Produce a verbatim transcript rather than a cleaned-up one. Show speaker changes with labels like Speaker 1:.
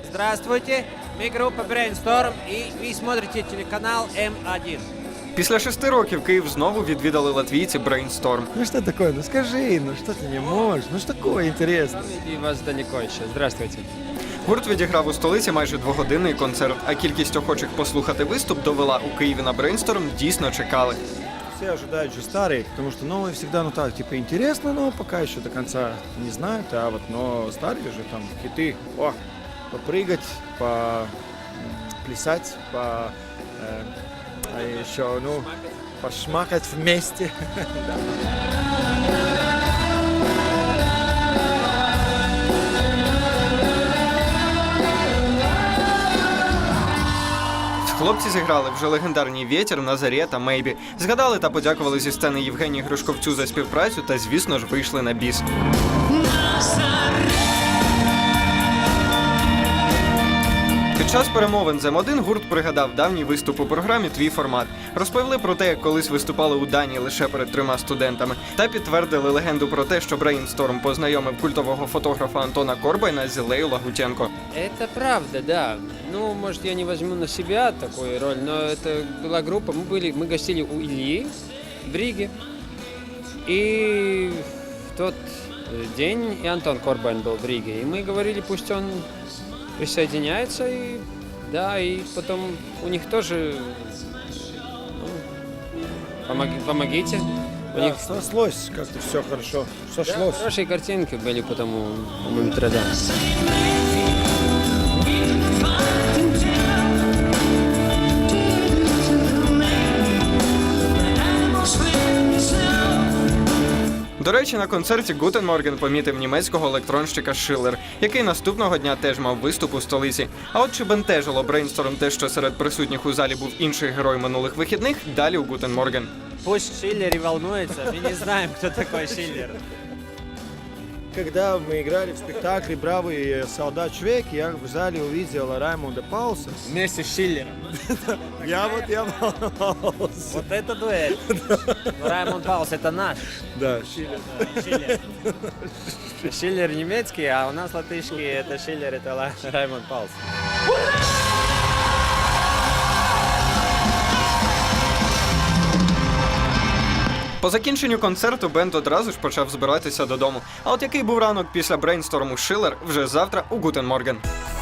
Speaker 1: Здравствуйте, мы группа Brainstorm, и вы смотрите телеканал М один.
Speaker 2: Після шести років Київ знову відвідали латвійці Brainstorm.
Speaker 3: Ну что такое? Ну скажи, ну что ты не можешь? Ну что такое интересно?
Speaker 1: И вас далеко еще. Здравствуйте.
Speaker 2: Гурт відіграв у столиці майже двогодинний концерт, а кількість охочих послухати виступ довела, у Києві на Brainstorm дійсно чекали.
Speaker 3: Все ожидают же старые, потому что новые всегда, ну так, типа интересно, но пока еще до конца не знают, а вот, но старые же там хиты, о, попрыгать, поплясать, по, э, а еще, ну, пошмакать вместе.
Speaker 2: Хлопці зіграли вже легендарні «Вєтір», «Назарє» та «Мейбі». Згадали та подякували зі сцени Євгенії Гришковцю за співпрацю та, звісно ж, вийшли на біс. Під час перемовин з М один гурт пригадав давній виступ у програмі «Твій формат». Розповіли про те, як колись виступали у Данії лише перед трьома студентами. Та підтвердили легенду про те, що Brainstorm познайомив культового фотографа Антона Корбайна з Іллею Лагутенко.
Speaker 1: Это правда, да. Ну, может, я не возьму на себя такую роль, но это была группа. Мы были, мы гостили у Ильи в Риге. И в тот день и Антон Корбайн был в Риге. И мы говорили, пусть он присоединяется. И, да, и потом у них тоже, ну, помоги, помогите. У
Speaker 3: Да,
Speaker 1: них
Speaker 3: сошлось как-то все хорошо,
Speaker 1: да,
Speaker 3: сошлось.
Speaker 1: хорошие картинки были потом у, у Мумитрада.
Speaker 2: До речі, на концерті Guten Morgen помітив німецького електронщика Шиллер, який наступного дня теж мав виступ у столиці. А от чи бентежило Brainstorm те, що серед присутніх у залі був інший герой минулих вихідних, далі у Guten Morgen.
Speaker 1: Пусть Шиллер и волнуется, мы не знаем, кто такой Шиллер.
Speaker 3: Когда мы играли в спектакле «Бравый солдат Швейк», я в зале увидел Раймонда Паулса.
Speaker 1: Вместе с Шиллером.
Speaker 3: Я вот я волновался.
Speaker 1: Вот это дуэль. Раймонд Паулс это наш.
Speaker 3: Да, Шиллер.
Speaker 1: Шиллер. Шиллер немецкий, а у нас латышский это Шиллер, это Ла- Раймонд Паулс.
Speaker 2: По закінченню концерту бенд одразу ж почав збиратися додому. А от який був ранок після Brainstorm у Шиллер вже завтра у Guten Morgen.